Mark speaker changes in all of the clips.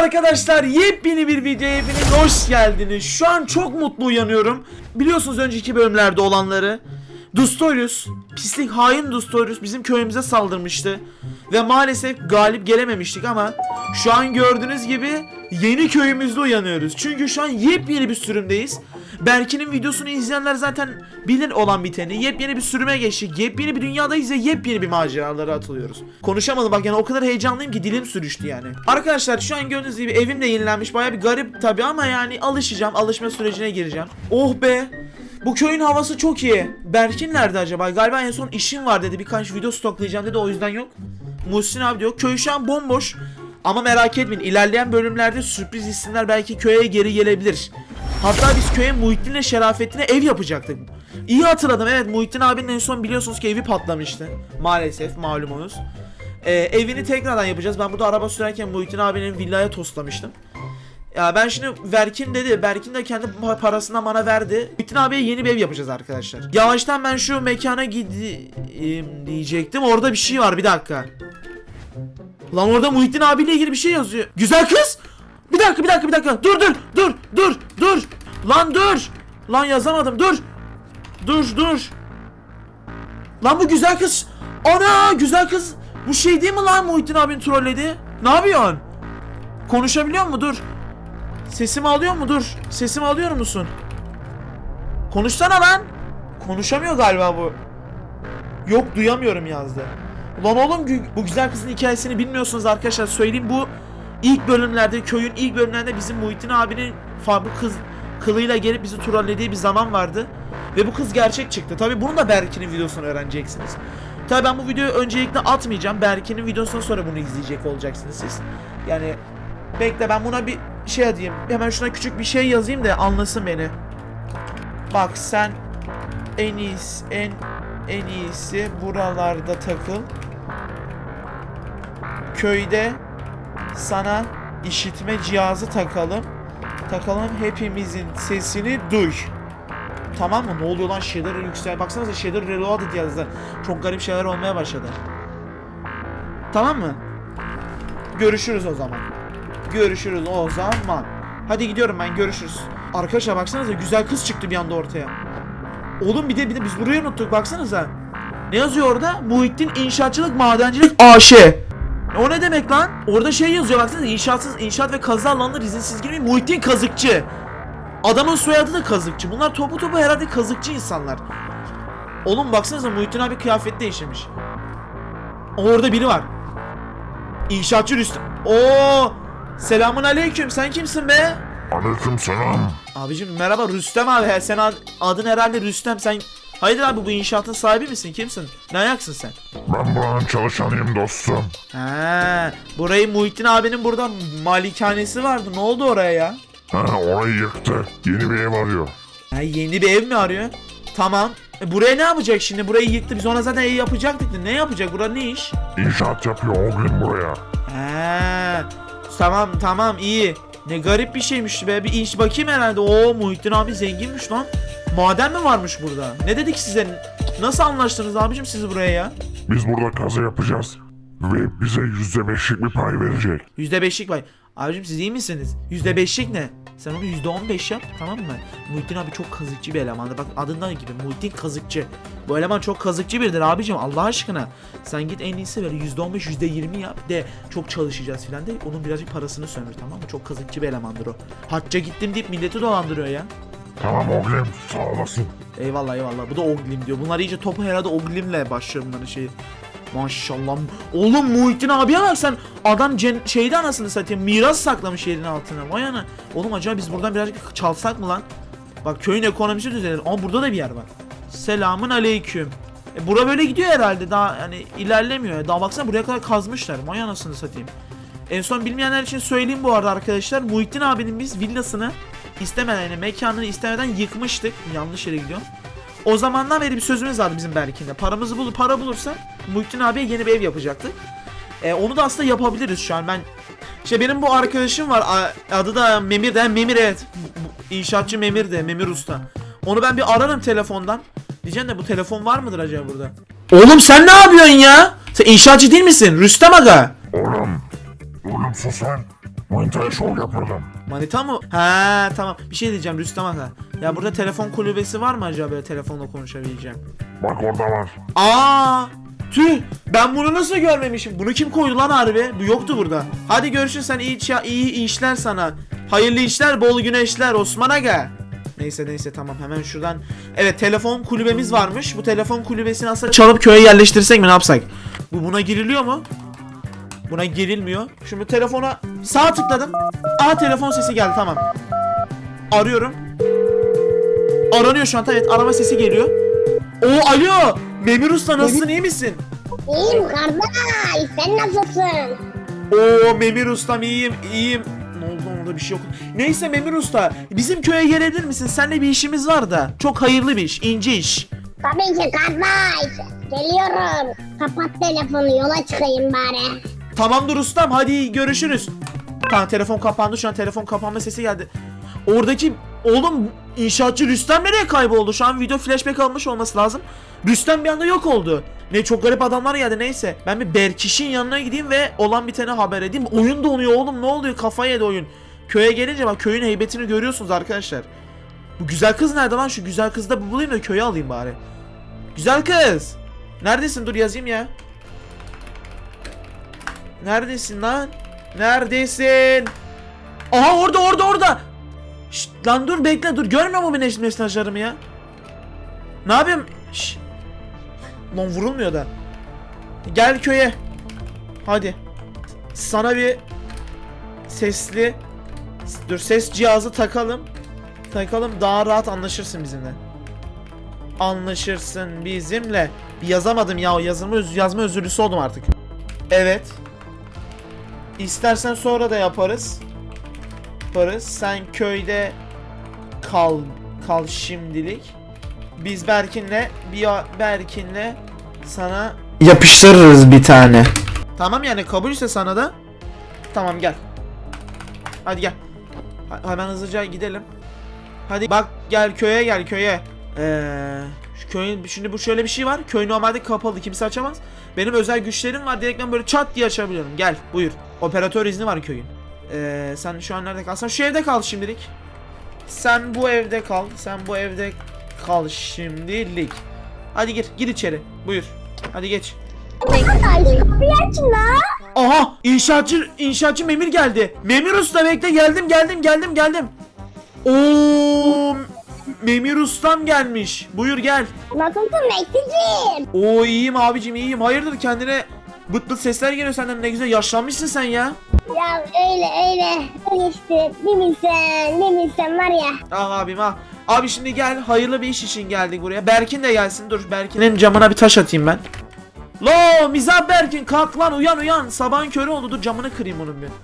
Speaker 1: arkadaşlar, yepyeni bir videoya hepiniz hoş geldiniz. Şu an çok mutlu uyanıyorum. Biliyorsunuz önceki bölümlerde olanları. Dustorius, pislik hain Dustorius bizim köyümüze saldırmıştı. Ve maalesef galip gelememiştik ama şu an gördüğünüz gibi yeni köyümüzde uyanıyoruz. Çünkü şu an yepyeni bir sürümdeyiz. Berkin'in videosunu izleyenler zaten bilir olan biteni. Yepyeni bir sürüme geçtik. Yepyeni bir dünyadayız ve yepyeni bir maceralara atılıyoruz. Konuşamadım bak, yani o kadar heyecanlıyım ki dilim sürüştü yani. Arkadaşlar şu an gördüğünüz gibi evim de yenilenmiş. Baya bir garip tabi ama yani alışacağım. Alışma sürecine gireceğim. Oh be. Bu köyün havası çok iyi. Berkin nerede acaba? Galiba en son işim var dedi. Birkaç video stoklayacağım dedi, o yüzden yok. Muhsin abi diyor. Köy şu an bomboş. Ama merak etmeyin, ilerleyen bölümlerde sürpriz isimler belki köye geri gelebilir. Hatta biz köye Muhittin'le Şerafettin'e ev yapacaktık. İyi hatırladım, evet, Muhittin abinin en son biliyorsunuz ki evi patlamıştı. Maalesef malumunuz. Evini tekrardan yapacağız. Ben burada araba sürerken Muhittin abinin villaya toslamıştım. Ya ben şimdi Berkin dedi. Berkin de kendi parasından bana verdi. Muhittin abiye yeni bir ev yapacağız arkadaşlar. Yavaştan ben şu mekana gideyim diyecektim. Orada bir şey var, bir dakika. Lan orada Muhittin abiyle ilgili bir şey yazıyor. Güzel kız. Bir dakika. Dur. Lan dur. Lan yazamadım. Dur. Lan bu güzel kız. Ana, güzel kız. Bu şey değil mi lan, Muhittin abinin trolledi? Ne yapıyorsun? Konuşabiliyor mu? Dur. Sesimi alıyor mu? Dur. Sesimi alıyor musun? Konuşsana lan. Konuşamıyor galiba bu. Yok, duyamıyorum yazdı. Ulan oğlum, bu güzel kızın hikayesini bilmiyorsunuz arkadaşlar, söyleyeyim. Bu ilk bölümlerde, köyün ilk bölümlerinde bizim Muhittin abinin bu kız kılıyla gelip bizi trollediği bir zaman vardı. Ve bu kız gerçek çıktı. Tabi bunun da Berkin'in videosunu öğreneceksiniz. Tabi ben bu videoyu öncelikle atmayacağım. Berkin'in videosundan sonra bunu izleyecek olacaksınız siz. Yani bekle, ben buna bir şey diyeyim. Hemen şuna küçük bir şey yazayım da anlasın beni. Bak sen en iyisi buralarda takıl. Köyde sana işitme cihazı takalım. Hepimizin sesini duy. Tamam mı? Ne oluyor lan, şeyler yüksel. Baksanıza, şeyler reloaded yazdı. Çok garip şeyler olmaya başladı. Tamam mı? Görüşürüz o zaman. Hadi gidiyorum ben, görüşürüz. Arkadaşlar baksanıza, güzel kız çıktı bir anda ortaya. Oğlum bir de biz burayı unuttuk, baksanıza. Ne yazıyor orada? Muhittin İnşaatçılık Madencilik AŞ. O ne demek lan? Orada şey yazıyor, baksanıza, inşaat ve kazı alanları izinsiz girmeyin. Muhittin Kazıkçı. Adamın soyadı da Kazıkçı. Bunlar topu herhalde kazıkçı insanlar. Oğlum baksanıza, Muhittin abi kıyafet değiştirmiş. Orada biri var. İnşaatçı Rüstem. Oo! Selamun aleyküm. Sen kimsin be?
Speaker 2: Aleyküm selam.
Speaker 1: Abicim merhaba, Rüstem abi. Sen adın herhalde Rüstem. Sen hayırdır abi, bu inşaatın sahibi misin? Kimsin? Ne ayaksın sen?
Speaker 2: Ben buranın çalışanıyım dostum.
Speaker 1: He, burayı Muhittin abinin burada malikanesi vardı. Ne oldu oraya ya?
Speaker 2: Orayı yıktı. Yeni bir ev arıyor.
Speaker 1: Yeni bir ev mi arıyor? Tamam. Buraya ne yapacak şimdi? Burayı yıktı. Biz ona zaten ev yapacaktık da. Ne yapacak? Burada ne iş?
Speaker 2: İnşaat yapıyor o gün buraya.
Speaker 1: Tamam iyi. Ne garip bir şeymiş be. Bir iş bakayım herhalde. Oo, Muhittin abi zenginmiş lan. Maden mi varmış burada? Ne dedik size? Nasıl anlaştınız abicim siz buraya ya?
Speaker 2: Biz burada kazı yapacağız. Ve bize %5'lik bir pay verecek.
Speaker 1: %5'lik pay. Abicim siz iyi misiniz? %5'lik ne? Sen onu %15 yap, tamam mı? Muhittin abi çok kazıkçı bir elemandır. Bak adından gibi, Muhittin Kazıkçı. Bu eleman çok kazıkçı biridir abicim, Allah aşkına. Sen git en iyisi böyle %15 %20 yap de çok çalışacağız filan de, onun birazcık parasını sömür, tamam mı? Çok kazıkçı bir elemandır o. Hacca gittim deyip milleti dolandırıyor ya.
Speaker 2: Tamam oğlum, sağ olasın.
Speaker 1: Eyvallah. Bu da Oglim diyor. Bunlar iyice topu herhalde Oglim'le başlıyor bunların şeyi. Maşallah. Oğlum Muhittin abiye bak sen. Adam şeyde anasını satayım, miras saklamış yerin altına. Vay ana. Oğlum acaba biz buradan birazcık çalsak mı lan? Bak köyün ekonomisi düzelir. Ama burada da bir yer var. Selamun aleyküm. Bura böyle gidiyor herhalde. Daha yani ilerlemiyor. Daha baksana, buraya kadar kazmışlar. Vay anasını satayım. En son bilmeyenler için söyleyeyim bu arada arkadaşlar. Muhittin abinin biz villasını istemeden, yani mekanını istemeden yıkmıştık. Yanlış yere gidiyorum. O zamandan beri bir sözümüz vardı bizim Berkin'de. Para bulursa Muhittin abiye yeni bir ev yapacaktık. Onu da aslında yapabiliriz şu an. Benim bu arkadaşım var. Adı da Memir de. Memir, evet. İnşaatçı Memir de. Memir Usta. Onu ben bir ararım telefondan. Diyeceğim de bu telefon var mıdır acaba burada? Oğlum sen ne yapıyorsun ya? Sen inşaatçı değil misin? Rüstem aga.
Speaker 2: Oğlum sus sen. Manitaya şov yapalım.
Speaker 1: Manita mı? He tamam. Bir şey diyeceğim Rüstem Aga. Ya burada telefon kulübesi var mı acaba, böyle telefonla konuşabileceğim?
Speaker 2: Bak orada var.
Speaker 1: Aa! Tüh! Ben bunu nasıl görmemişim? Bunu kim koydu lan harbi? Bu yoktu burada. Hadi görüşürüz, sen iyi işler sana. Hayırlı işler, bol güneşler Osman Aga. Neyse tamam, hemen şuradan. Evet, telefon kulübemiz varmış. Bu telefon kulübesini aslında çalıp köye yerleştirsek mi, ne yapsak? Buna giriliyor mu? Buna girilmiyor. Şimdi telefona sağ tıkladım. Aa, telefon sesi geldi, tamam. Arıyorum. Aranıyor şu an, evet, arama sesi geliyor. Oo, alo! Memir Usta, nasılsın, iyi misin?
Speaker 3: İyiyim kardeş, sen nasılsın?
Speaker 1: Oo Memir Ustam, iyiyim. Ne oldu, orada bir şey yok. Neyse Memir Usta, bizim köye gelebilir misin? Seninle bir işimiz var da. Çok hayırlı bir iş, ince iş.
Speaker 3: Tabii ki kardeş, geliyorum. Kapat telefonu, yola çıkayım bari.
Speaker 1: Tamamdır ustam, hadi görüşürüz. Tamam, telefon kapandı, şu an telefon kapanma sesi geldi. Oradaki oğlum inşaatçı Rüstem nereye kayboldu? Şu an video flashback almış olması lazım. Rüstem bir anda yok oldu. Ne çok garip adamlar geldi, neyse. Ben bir Berkiş'in yanına gideyim ve olan biteni haber edeyim. Oyun donuyor oğlum, ne oluyor, kafayı yedi oyun. Köye gelince bak, köyün heybetini görüyorsunuz arkadaşlar. Bu güzel kız nerede lan? Şu güzel kızı da bulayım da köye alayım bari. Güzel kız. Neredesin? Dur yazayım ya. Neredesin lan? Neredesin? Aha, orada. Şşt, lan dur, bekle, dur, görmüyor mu benim mesajlarımı ya? Ne yapayım? Şşt. Lan vurulmuyor da. Gel köye. Hadi. Sana bir sesli, dur, ses cihazı takalım. Daha rahat anlaşırsın bizimle. Anlaşırsın bizimle. Bir yazamadım ya, yazma özürlüsü oldum artık. Evet. İstersen sonra da yaparız. Sen köyde kal şimdilik. Biz Berkin'le sana yapıştırırız bir tane. Tamam, yani kabulse sana da. Tamam, gel. Hadi gel. Hemen hızlıca gidelim. Hadi bak, gel köye. Şu köyün, şimdi bu şöyle bir şey var. Köy normalde kapalı, kimse açamaz. Benim özel güçlerim var, direkt ben böyle çat diye açabiliyorum. Gel, buyur. Operatör izni var köyün. Sen şu an nerede kalsan? Şu evde kal şimdilik. Sen bu evde kal şimdilik. Hadi gir içeri. Buyur. Hadi geç.
Speaker 3: Kardeş, kapıyı aç la.
Speaker 1: Aha! İnşaatçı Memir geldi. Memir Usta, bekle, geldim. Oo! Memir Ustam gelmiş. Buyur, gel.
Speaker 3: Nasılsın Meksicim?
Speaker 1: Oo, iyiyim abicim, iyiyim. Hayırdır, kendine bıt sesler geliyor senden, ne güzel yaşlanmışsın sen ya.
Speaker 3: Ya öyle işte, bir bilsen var ya.
Speaker 1: Ah abim ah. Abi şimdi gel, hayırlı bir iş için geldik buraya. Berkin de gelsin, dur, Berkin'in camına bir taş atayım ben. Lo mizah Berkin, kalk lan, uyan. Sabahın körü oldu, dur camını kırayım onun bir.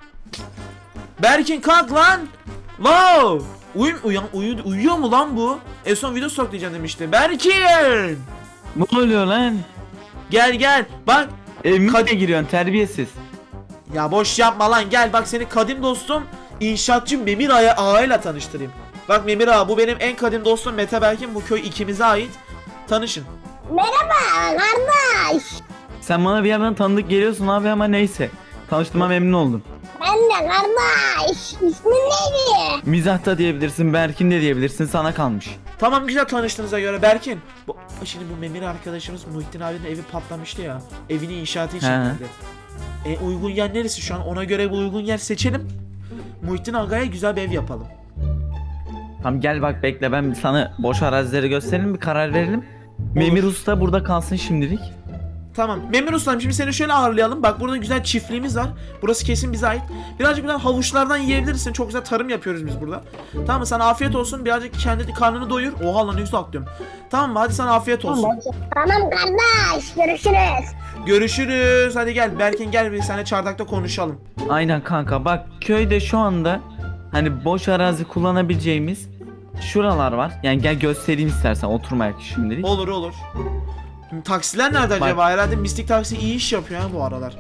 Speaker 1: Berkin kalk lan. Lo. Uyuyor mu lan bu? En son video stoklayacağım demişti. Berkin.
Speaker 4: Ne oluyor lan?
Speaker 1: Gel bak.
Speaker 4: Evime de giriyorsun terbiyesiz.
Speaker 1: Ya boş yapma lan, gel bak, seni kadim dostum inşaatçı Memir Ağa ile tanıştırayım. Bak Memir Ağa, bu benim en kadim dostum Mete Berkin, bu köy ikimize ait. Tanışın.
Speaker 3: Merhaba kardeş.
Speaker 4: Sen bana bir yerden tanıdık geliyorsun abi ama neyse. Tanıştığıma memnun oldum.
Speaker 3: Ben de kardeş. İsmin neydi?
Speaker 4: Mizah da diyebilirsin, Berkin de diyebilirsin, sana kalmış.
Speaker 1: Tamam, güzel tanıştığınıza göre Berkin. Şimdi bu Memir arkadaşımız Muhittin abinin evi patlamıştı ya. Evini inşaatı için
Speaker 4: He.
Speaker 1: geldi. Uygun yer neresi şu an? Ona göre bir uygun yer seçelim. Muhittin Aga'ya güzel bir ev yapalım.
Speaker 4: Tamam gel bak, bekle, ben sana boş arazileri gösterelim, bir karar verelim. Memir Usta burada kalsın şimdilik.
Speaker 1: Tamam. Memur Usta'm, şimdi seni şöyle ağırlayalım. Bak, burada güzel çiftliğimiz var. Burası kesin bize ait. Birazcık buradan havuçlardan yiyebilirsin. Çok güzel tarım yapıyoruz biz burada. Tamam mı? Sana afiyet olsun. Birazcık kendi karnını doyur. Oha lan, ne güzel atlıyorum. Tamam mı? Hadi sana afiyet olsun.
Speaker 3: Tamam kardeş, görüşürüz.
Speaker 1: Görüşürüz. Hadi gel. Berkin gel, bir seninle çardakta konuşalım.
Speaker 4: Aynen kanka, bak köyde şu anda hani boş arazi kullanabileceğimiz şuralar var. Yani gel göstereyim istersen, oturmayak şimdilik.
Speaker 1: Olur. Şimdi taksiler nerede
Speaker 4: Bak.
Speaker 1: acaba? Herhalde Mistik Taksi iyi iş yapıyor ha bu aralar.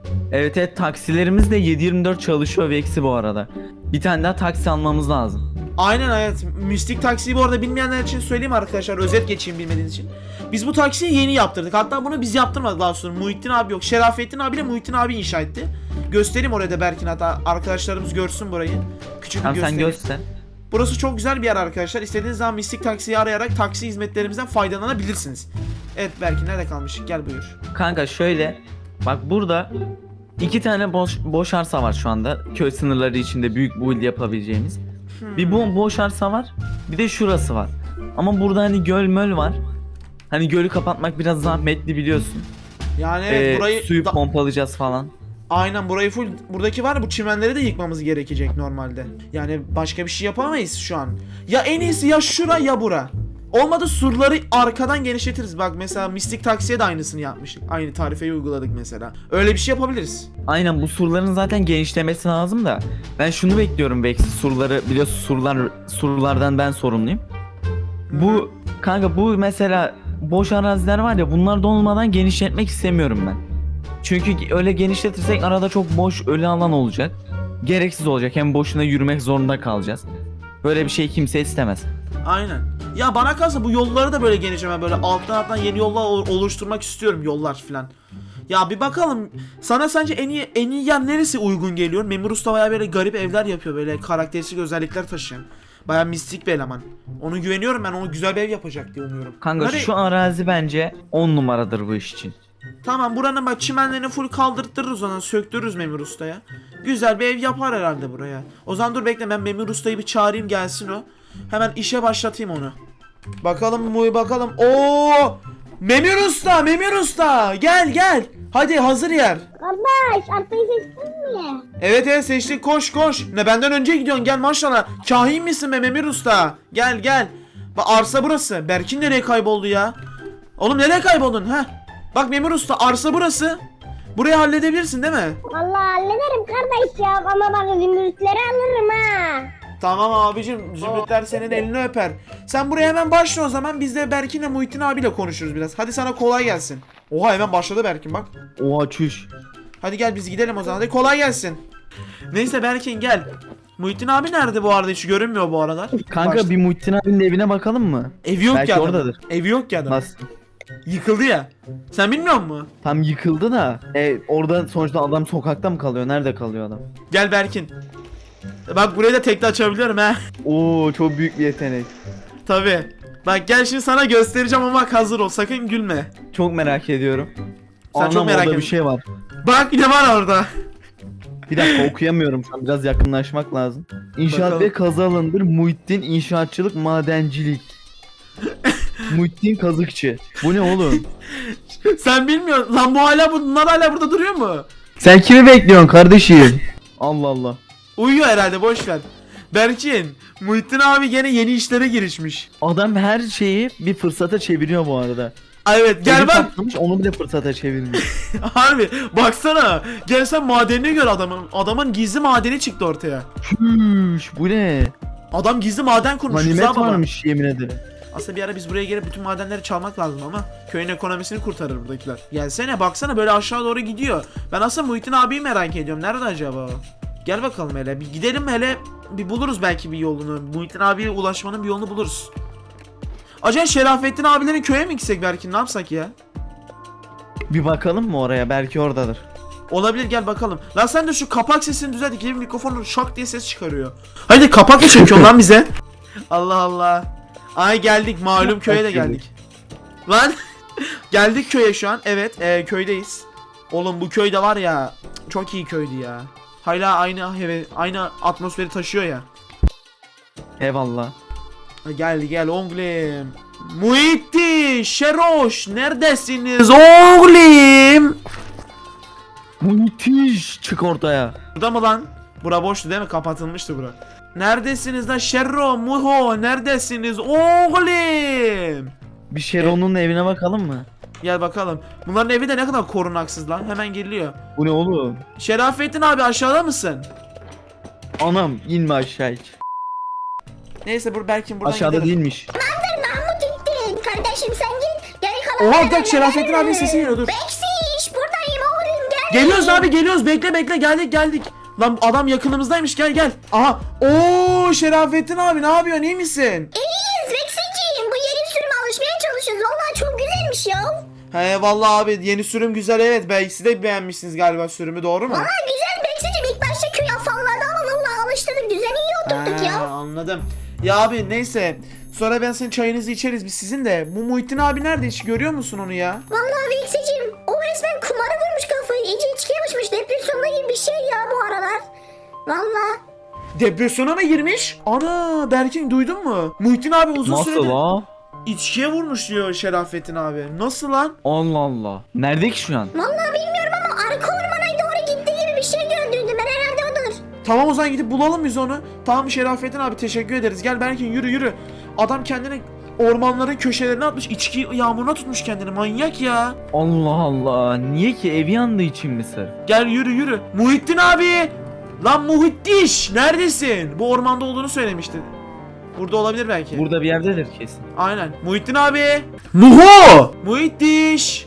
Speaker 4: Evet taksilerimiz de 7/24 çalışıyor ve eksi bu arada. Bir tane daha taksi almamız lazım.
Speaker 1: Aynen evet. Mistik taksiyi bu arada bilmeyenler için söyleyeyim arkadaşlar. Özet geçeyim bilmediğiniz için. Biz bu taksiyi yeni yaptırdık. Hatta bunu biz yaptırmadık daha sonra. Muhittin abi yok. Şerafettin abiyle Muhittin abi inşa etti. Göstereyim oraya da Berkin, hatta arkadaşlarımız görsün burayı. Küçük bir
Speaker 4: Tamam sen
Speaker 1: göstereyim.
Speaker 4: göster.
Speaker 1: Burası çok güzel bir yer arkadaşlar. İstediğiniz zaman Mistik taksiyi arayarak taksi hizmetlerimizden faydalanabilirsiniz. Evet Berkin, nerede kalmıştık? Gel buyur.
Speaker 4: Kanka şöyle bak, burada 2 tane boş arsa var şu anda. Köy sınırları içinde büyük build yapabileceğimiz. Bir boş arsa var. Bir de şurası var. Ama burada hani göl möl var. Hani gölü kapatmak biraz zahmetli biliyorsun.
Speaker 1: Yani evet, burayı
Speaker 4: Suyu pompalayacağız falan.
Speaker 1: aynen burayı full, buradaki var, bu çimenleri de yıkmamız gerekecek normalde. Yani başka bir şey yapamayız şu an. Ya en iyisi ya şura ya bura. Olmadı surları arkadan genişletiriz. Bak mesela Mistik Taksi'ye de aynısını yapmıştık. Aynı tarifeyi uyguladık mesela. Öyle bir şey yapabiliriz.
Speaker 4: Aynen, bu surların zaten genişlemesi lazım da. Ben şunu bekliyorum belki, surları biliyorsun, surlardan ben sorumluyum. Bu kanka, bu mesela boş araziler var ya, bunlar da olmadan genişletmek istemiyorum ben. Çünkü öyle genişletirsek arada çok boş ölü alan olacak. Gereksiz olacak, hem boşuna yürümek zorunda kalacağız. Böyle bir şey kimse istemez.
Speaker 1: Aynen. Ya bana kalsa bu yolları da böyle genişleme, böyle alttan yeni yollar oluşturmak istiyorum, yollar filan. Ya bir bakalım, sana sence en iyi yer neresi uygun geliyor? Memur Usta bayağı böyle garip evler yapıyor, böyle karakteristik özellikler taşıyan. Bayağı mistik bir eleman. Ona güveniyorum ben, onu güzel bir ev yapacak diye umuyorum.
Speaker 4: Kanka şu arazi bence 10 numaradır bu iş için.
Speaker 1: Tamam, buranın bak çimenlerini full kaldırtırız, ona söktürürüz Memur Usta'ya. Güzel bir ev yapar herhalde buraya. O zaman dur bekle, ben Memur Usta'yı bir çağırayım, gelsin o. Hemen işe başlatayım onu. Bakalım bakalım. Oo! Memur Usta gel. Hadi hazır yer.
Speaker 3: Kardeş arsayı seçtin mi?
Speaker 1: Evet seçtik, koş. Ne benden önce gidiyorsun, gel maşallah. Kahin misin be Memur Usta? Gel. Bak arsa burası. Berkin nereye kayboldu ya? Oğlum nereye kayboldun ha? Bak Memur Usta, arsa burası. Burayı halledebilirsin değil mi?
Speaker 3: Vallahi hallederim kardeş ya, ama bak zümrütleri alırım ha.
Speaker 1: Tamam abicim, zümrütler senin elini öper. Sen buraya hemen başla o zaman, biz de Berkin'le Muhittin abiyle konuşuruz biraz. Hadi sana kolay gelsin. Oha, hemen başladı Berkin bak.
Speaker 4: Oha çüş.
Speaker 1: Hadi gel biz gidelim o zaman, hadi kolay gelsin. Neyse Berkin gel. Muhittin abi nerede bu arada, hiç görünmüyor bu aralar.
Speaker 4: Kanka
Speaker 1: Başla.
Speaker 4: bir Muhittin abinin evine bakalım mı?
Speaker 1: Evi yok
Speaker 4: Belki
Speaker 1: ya adamın.
Speaker 4: oradadır.
Speaker 1: Evi yok ya adamın.
Speaker 4: Nasıl?
Speaker 1: Yıkıldı ya. Sen bilmiyor musun?
Speaker 4: Tam yıkıldı da. Orada sonuçta adam sokakta mı kalıyor? Nerede kalıyor adam?
Speaker 1: Gel Berkin. Bak burayı da tekte açabiliyorum ha.
Speaker 4: Oo çok büyük bir yetenek.
Speaker 1: Tabi. Bak gel şimdi sana göstereceğim ama bak hazır ol, sakın gülme.
Speaker 4: Çok merak ediyorum.
Speaker 1: Sen çok merak
Speaker 4: orada
Speaker 1: ediyorsun.
Speaker 4: bir şey var.
Speaker 1: Bak ne var orada.
Speaker 4: Bir dakika okuyamıyorum şu an, biraz yakınlaşmak lazım. İnşaat
Speaker 1: Bakalım.
Speaker 4: ve kazı alanıdır. Muhittin inşaatçılık, madencilik. Muhittin kazıkçı. Bu ne oğlum?
Speaker 1: Sen bilmiyorsun lan, bunlar hala burada duruyor mu?
Speaker 4: Sen kimi bekliyorsun kardeşim? Allah Allah.
Speaker 1: Uyuyor herhalde, boş ver. Berkin, Muhittin abi gene yeni işlere girişmiş.
Speaker 4: Adam her şeyi bir fırsata çeviriyor bu arada.
Speaker 1: Ay evet gel
Speaker 4: Evi
Speaker 1: bak.
Speaker 4: patlamış, onu bile fırsata çevirmiş.
Speaker 1: Harbi baksana. Gel sen madenini gör adamın. Adamın gizli madeni çıktı ortaya.
Speaker 4: Hüş, bu ne?
Speaker 1: Adam gizli maden kurmuş. Rıza
Speaker 4: Ganimet
Speaker 1: baba.
Speaker 4: varmış yemin ederim.
Speaker 1: Aslında bir ara biz buraya gelip bütün madenleri çalmak lazım ama köyün ekonomisini kurtarır buradakiler. Gelsene baksana, böyle aşağı doğru gidiyor. Ben aslında Muhittin abiyi merak ediyorum. Nerede acaba o? Gel bakalım hele. Bir gidelim hele. Bir buluruz belki bir yolunu. Muhittin abiye ulaşmanın bir yolunu buluruz. Acaba Şerafettin abilerin köye mi gitsek belki, ne yapsak ya?
Speaker 4: Bir bakalım mı oraya? Belki oradadır.
Speaker 1: Olabilir, gel bakalım. Lan sen de şu kapak sesini düzelt. İkili mikrofonu şak diye ses çıkarıyor. Haydi kapak mı çekiyorsun lan bize? Allah Allah. Ay geldik, malum köye de geldik. Lan geldik köye şu an. Evet köydeyiz. Oğlum bu köyde var ya, çok iyi köydü ya. Hala aynı atmosferi taşıyor ya.
Speaker 4: Eyvallah.
Speaker 1: Gel oğlum. Muhittin, Şeroş neredesiniz oğlum?
Speaker 4: Müthiş, çık ortaya.
Speaker 1: Burada mı lan? Bura boştu değil mi? Kapatılmıştı bura. Neredesiniz lan Şerro, Muho? Neredesiniz oğlum?
Speaker 4: Bir Şeron'un evine bakalım mı?
Speaker 1: Gel bakalım. Bunların evi de ne kadar korunaksız lan. Hemen geliyor.
Speaker 4: Bu ne oğlum?
Speaker 1: Şerafettin abi aşağıda mısın?
Speaker 4: Anam inme aşağı hiç.
Speaker 1: Neyse Berkin buradan
Speaker 4: Aşağıda
Speaker 1: gidelim.
Speaker 4: değilmiş.
Speaker 3: Mahmut gittin. Kardeşim sen git. Geri kalan
Speaker 1: Oha bir dakika, Şerafettin abinin sesi geliyor, dur.
Speaker 3: Beksiş buradayım oğlum, gel.
Speaker 1: Geliyoruz abi, geliyoruz, bekle geldik. Lan adam yakınımızdaymış, gel gel. Aha. Oo Şerafettin abi, ne yapıyorsun, iyi misin?
Speaker 3: İyiyiz Vexiciğim. Bu yeni sürüm alışmaya çalışıyoruz. Vallahi çok güzelmiş ya.
Speaker 1: He vallahi abi yeni sürüm güzel, evet. Belki siz de beğenmişsiniz galiba sürümü, doğru mu?
Speaker 3: Vallahi güzel Vexiciğim. İlk başta köy afallardı ama vallahi alıştırdık. Düzeni iyi oturttuk
Speaker 1: Ha,
Speaker 3: ya.
Speaker 1: anladım. Ya abi neyse. Sonra ben senin çayınızı içeriz biz sizin de. Bu Muhittin abi nerede, hiç görüyor musun onu ya?
Speaker 3: Vallahi Vexiciğim. O resmen kumara vurmuş kafayı. İyice içkiye başmış. Depresyonda gibi bir şey ya bu aralar. Vallahi.
Speaker 1: Depresyona mı girmiş? Ana Berkin, duydun mu? Muhittin abi uzun
Speaker 4: Nasıl
Speaker 1: süredir
Speaker 4: la?
Speaker 1: içkiye vurmuş diyor Şerafettin abi. Nasıl lan?
Speaker 4: Allah Allah. Nerede ki şu an?
Speaker 3: Vallahi bilmiyorum ama arka ormana doğru gitti gibi bir şey gördüydüm. Ben herhalde odur.
Speaker 1: Tamam o zaman gidip bulalım biz onu. Tamam Şerafettin abi, teşekkür ederiz. Gel Berkin, yürü yürü. Adam kendini ormanların köşelerine atmış. İçki yağmuruna tutmuş kendini. Manyak ya.
Speaker 4: Allah Allah. Niye ki, evi yandığı için mi sır?
Speaker 1: Gel yürü yürü. Muhittin abi. Lan Muhittiş. Neredesin? Bu ormanda olduğunu söylemişti. Burada olabilir belki.
Speaker 4: Burada bir yerdedir kesin.
Speaker 1: Aynen. Muhittin abi. Muho. Muhittiş.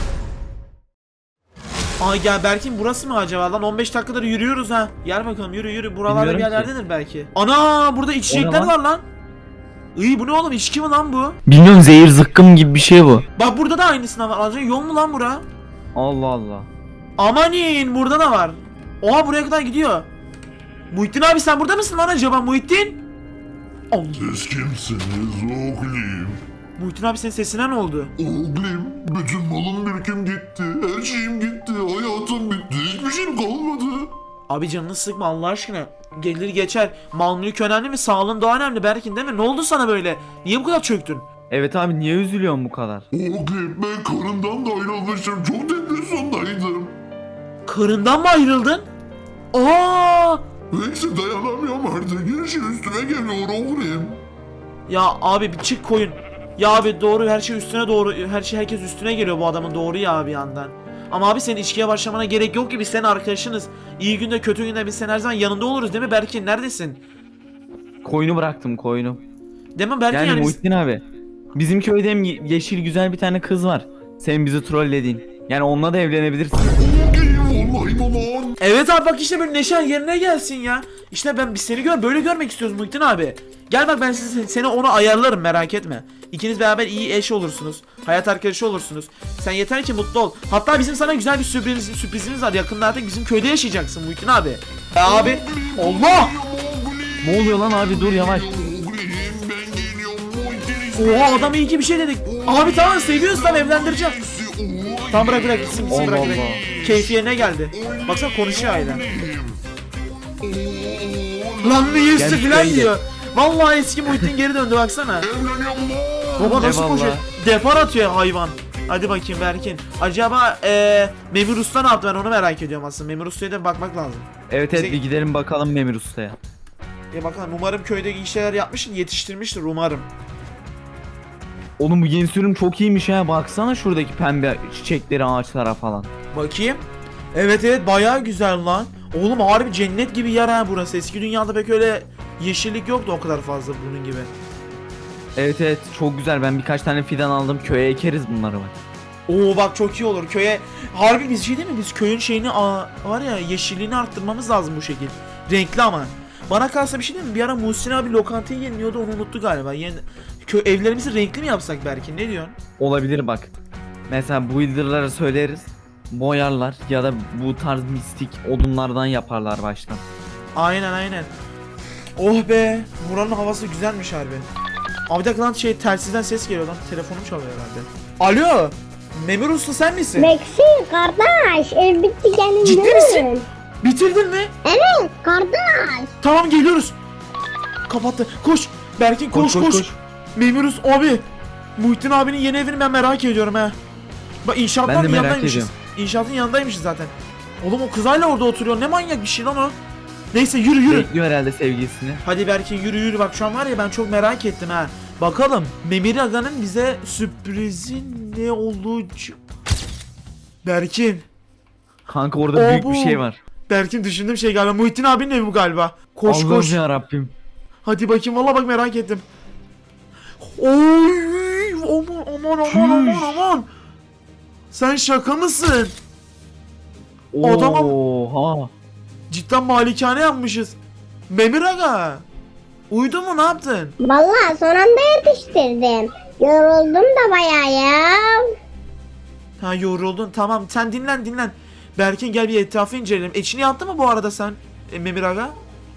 Speaker 1: Ay gel Berkin, burası mı acaba lan? 15 dakikadır yürüyoruz ha. Gel bakalım, yürü yürü. Buralarda bir
Speaker 4: Bilmiyorum ki.
Speaker 1: yerlerdedir belki. Ana burada içecekler
Speaker 4: lan?
Speaker 1: var lan. İyi, bu ne oğlum, içki mi lan bu?
Speaker 4: Bilmiyorum, zehir zıkkım gibi bir şey bu.
Speaker 1: Bak burada da aynısından var. Az önce yol mu lan bura?
Speaker 4: Allah Allah.
Speaker 1: Amanin, burada da var. Oha, buraya kadar gidiyor. Muhittin abi sen burada mısın lan acaba Muhittin? Allah.
Speaker 2: Siz kimsiniz oğlum?
Speaker 1: Muhittin abi senin sesine ne oldu?
Speaker 2: Oğlum, bütün malım birikim gitti. Her şeyim gitti. Hayatım bitti. Hiçbir şeyim kalmadı.
Speaker 1: Abi canını sıkma Allah aşkına. Gelir geçer. Mal mülk önemli mi? Sağlığın daha önemli Berkin, değil mi? Ne oldu sana böyle? Niye bu kadar çöktün?
Speaker 4: Evet abi, niye üzülüyorsun bu kadar?
Speaker 2: Oğlum, ben karımdan da ayrılmışım. Çok depresyondaydım.
Speaker 1: Karından mı ayrıldın? Aa!
Speaker 2: Neyse, dayanamıyorum artık. Her şey üstüme geliyor oğlum.
Speaker 1: Ya abi bir çık koyun. Ya abi doğru, her şey üstüne doğru. Her şey, herkes üstüne geliyor bu adamın, doğru ya bir yandan. Ama abi senin içkiye başlamana gerek yok ki, biz senin arkadaşınız. İyi günde kötü günde biz senin her zaman yanında oluruz, değil mi Berkin? Neredesin?
Speaker 4: Koyunu bıraktım, koyunu.
Speaker 1: Değil mi Berkin?
Speaker 4: Yani,
Speaker 1: Yani biz-
Speaker 4: Muhittin abi. Bizim köyde hem yeşil güzel bir tane kız var. Senin bizi trollediğin. Yani onunla da evlenebilirsin.
Speaker 2: Oğlum, vallahi aman.
Speaker 1: Evet abi bak, işte böyle neşen yerine gelsin ya. İşte biz seni böyle görmek istiyoruz Muhittin abi. Gel bak, ben seni ona ayarlarım, merak etme. İkiniz beraber iyi eş olursunuz. Hayat arkadaşı olursunuz. Sen yeter ki mutlu ol. Hatta bizim sana güzel bir sürprizimiz var. Yakında artık bizim köyde yaşayacaksın Muhittin abi. Ya abi. Allah.
Speaker 4: Ne oluyor lan abi, dur yavaş.
Speaker 2: Oğlum, ben geliyorum.
Speaker 1: Oha, adam iyi ki bir şey dedik. Abi tamam, seviyorsan evlendireceğim. Tamam bırak gitsin
Speaker 4: Allah
Speaker 1: bırak.
Speaker 4: Allah.
Speaker 1: Keyfi yerine geldi. Baksana konuşuyor hala. Lan ne yüzü
Speaker 4: Gel
Speaker 1: filan
Speaker 4: şuraya
Speaker 1: diyor. Vallahi eski Muhittin geri döndü, baksana.
Speaker 2: Evleniyorum.
Speaker 1: Baba nasıl
Speaker 4: Eyvallah.
Speaker 1: koşuyor? Depar atıyor hayvan. Hadi bakayım Berkin. Acaba Memur Usta ne yaptı, ben onu merak ediyorum aslında. Memur Usta'ya da bakmak lazım.
Speaker 4: Evet
Speaker 1: Bize-
Speaker 4: evet, bir gidelim bakalım Memir Usta'ya.
Speaker 1: Bakalım, umarım köyde iyi şeyler yapmıştır, yetiştirmiştir umarım.
Speaker 4: Oğlum bu yeni sürüm çok iyiymiş ha, baksana şuradaki pembe çiçekleri, ağaçlara falan.
Speaker 1: Bakayım. Evet bayağı güzel lan. Oğlum harbi cennet gibi yer ha burası. Eski dünyada pek öyle yeşillik yoktu o kadar fazla bunun gibi.
Speaker 4: Evet evet, çok güzel, ben birkaç tane fidan aldım, köye ekeriz bunları bak.
Speaker 1: Oo bak, çok iyi olur köye. Harbi biz şey değil mi? Biz köyün şeyini var ya, yeşilliğini arttırmamız lazım bu şekil. Renkli ama. Bana kalsa bir şey değil mi? Bir ara Muhsin abi lokantayı yeniliyordu, onu unuttu galiba. Evlerimizi renkli mi yapsak belki? Ne diyorsun?
Speaker 4: Olabilir bak. Mesela builder'lara söyleriz, boyarlar ya da bu tarz mistik odunlardan yaparlar baştan.
Speaker 1: Aynen. Oh be. Buranın havası güzelmiş harbi. Abi bir dakika lan, telsizden ses geliyor lan. Telefonum çalıyor herhalde. Alo. Memur Usta sen misin?
Speaker 3: Vexi kardeş, ev bitti gelin.
Speaker 1: Ciddi
Speaker 3: gelin.
Speaker 1: misin? Bitirdin mi?
Speaker 3: Evet kardeş.
Speaker 1: Tamam geliyoruz. Kapattı. Koş. Berkin koş. Memur Usta abi. Muhittin abinin yeni evini ben merak ediyorum ha. Bak
Speaker 4: Ben
Speaker 1: inşaatın
Speaker 4: de merak
Speaker 1: yanındaymışız.
Speaker 4: ediyorum.
Speaker 1: İnşaatın yanındaymışız zaten. Oğlum o kız hala orada oturuyor. Ne manyak bir şey lan o. Neyse yürü.
Speaker 4: Bekliyor herhalde sevgilisini.
Speaker 1: Hadi Berkin yürü. Bak şu an var ya, ben çok merak ettim ha. Bakalım Memir Aga'nın bize sürprizi ne olacak? Berkin.
Speaker 4: Kanka orada büyük
Speaker 1: bu.
Speaker 4: bir şey var.
Speaker 1: Berkin düşündüğüm şey galiba. Muhittin abinin evi bu galiba. Koş.
Speaker 4: Allah'ım ya Rabbim.
Speaker 1: Hadi bakayım, valla bak merak ettim. Oy aman. Sen şaka mısın? Adama-
Speaker 4: Oha.
Speaker 1: Cidden malikane yapmışız. Memir Aga. Uyudun mu, ne yaptın?
Speaker 3: Vallahi son anda yetiştirdim. Yoruldum da bayağı ya.
Speaker 1: Ha yoruldun, tamam sen dinlen. Berkin gel bir etrafı inceleyelim. İçini yaptın mı bu arada sen Memir Aga?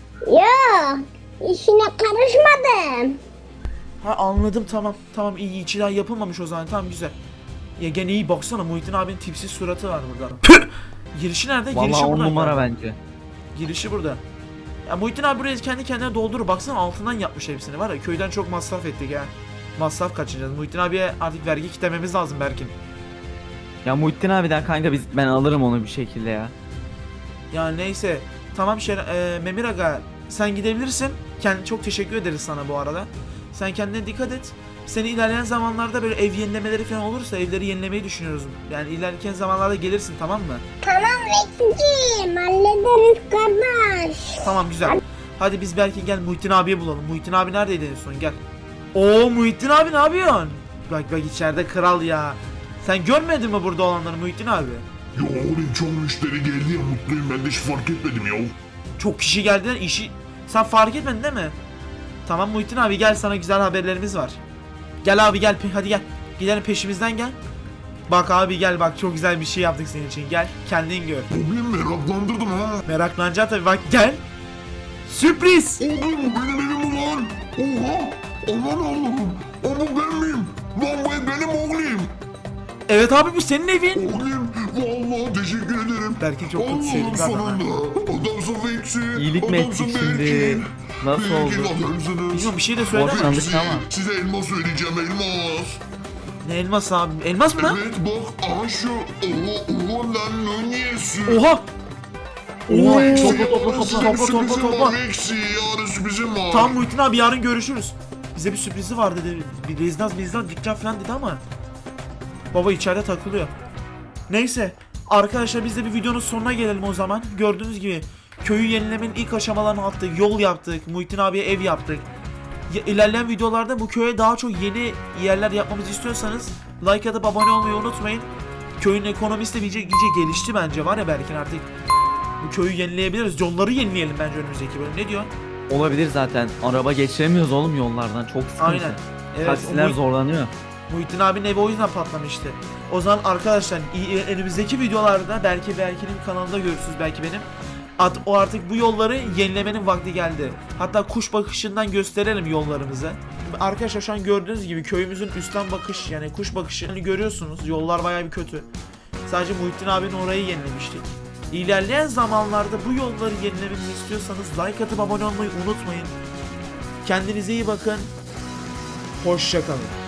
Speaker 3: Yok. İşine karışmadım.
Speaker 1: Ha anladım, tamam iyi, içi daha yapılmamış o zaman, tamam güzel. Ya gene iyi, baksana Muhittin abinin tipsiz suratı var burada. Püh! Girişi nerede? Girişi
Speaker 4: Vallahi 10
Speaker 1: burada.
Speaker 4: numara bence.
Speaker 1: Girişi burada. Ya Muhittin abi burayı kendi kendine doldurur. Baksana altından yapmış hepsini, var ya köyden çok masraf ettik ya. Masraf kaçıracağız. Muhittin abiye artık vergi kitlememiz lazım Berkin.
Speaker 4: Ya Muhittin abiden kanka ben alırım onu bir şekilde ya.
Speaker 1: Ya neyse. Tamam Memir Aga sen gidebilirsin. Çok teşekkür ederiz sana bu arada. Sen kendine dikkat et. Seni ilerleyen zamanlarda böyle ev yenilemeleri falan olursa evleri yenilemeyi düşünüyoruz. Yani ilerleyen zamanlarda gelirsin, tamam mı?
Speaker 3: Tamam Vex'ciğim, hallederiz kardeş.
Speaker 1: Tamam güzel. Hadi biz belki gel Muhittin abiye bulalım. Muhittin abi neredeydi en son, gel. Oo Muhittin abi ne yapıyorsun? Bak içeride kral ya. Sen görmedin mi burada olanları Muhittin abi?
Speaker 2: Ya oğlum çok müşteri geldi ya, mutluyum, ben de hiç fark etmedim ya.
Speaker 1: Çok kişi geldiler, işi sen fark etmedin değil mi? Tamam Muhittin abi gel, sana güzel haberlerimiz var. Gel abi gel, hadi gel. Gidelim peşimizden gel. Bak abi gel, bak çok güzel bir şey yaptık senin için, gel kendin gör.
Speaker 2: Oğlum meraklandırdın ha.
Speaker 1: Meraklanacaksın tabii, bak gel. Sürpriz.
Speaker 2: Oğlum benim evim ulan. Oha. Aman Allah'ım. O bu ben miyim? Lan bu ev benim oğlum.
Speaker 1: Evet abi bu senin evin.
Speaker 2: Oğlum vallahi teşekkür ederim.
Speaker 1: Berkin çok kötü
Speaker 2: Allah'ım
Speaker 1: sevdik
Speaker 2: sonunda. Adamsın Vex'i.
Speaker 4: İyilik mi ettik şimdi? Nasıl oldu?
Speaker 1: Bilmiyorum, bir şey de söyleme.
Speaker 4: Boşandık ama.
Speaker 2: Size elmas söyleyeceğim, elmas.
Speaker 1: Ne elmas abi? Elmas mı?
Speaker 2: Evet bak aha şu. Oha lan ne niyesi?
Speaker 1: Oha. Oha.
Speaker 2: Vex'i,
Speaker 1: Topla
Speaker 2: yarın sürprizim
Speaker 1: topla.
Speaker 2: var Vex'i, yarın sürprizim var.
Speaker 1: Tamam Muhittin abi yarın görüşürüz. Bize bir sürprizi var dedi. Bir rezidan dükkan falan dedi ama. Baba içeride takılıyor. Neyse. Arkadaşlar biz de bir videonun sonuna gelelim o zaman. Gördüğünüz gibi köyü yenilemenin ilk aşamalarını attık. Yol yaptık. Muhittin abiye ev yaptık. İlerleyen videolarda bu köye daha çok yeni yerler yapmamızı istiyorsanız like atıp abone olmayı unutmayın. Köyün ekonomisi de iyice gelişti bence, var ya Berkin, artık bu köyü yenileyebiliriz. Yolları yenileyelim bence önümüzdeki bölüm. Ne diyor?
Speaker 4: Olabilir zaten. Araba geçiremiyoruz oğlum yollardan. Çok sıkıntı.
Speaker 1: Aynen. Evet,
Speaker 4: Taksiler zorlanıyor.
Speaker 1: Muhittin abinin evi o yüzden patlamıştı. O zaman arkadaşlar önümüzdeki videolarda belki Berkin'in kanalında görürsünüz, belki benim. O artık bu yolları yenilemenin vakti geldi. Hatta kuş bakışından gösterelim yollarımızı. Arkadaşlar şu an gördüğünüz gibi köyümüzün üstten bakış, yani kuş bakışını görüyorsunuz. Yollar bayağı bir kötü. Sadece Muhittin abinin orayı yenilemiştik. İlerleyen zamanlarda bu yolları yenilememizi istiyorsanız like atıp abone olmayı unutmayın. Kendinize iyi bakın. Hoşça kalın.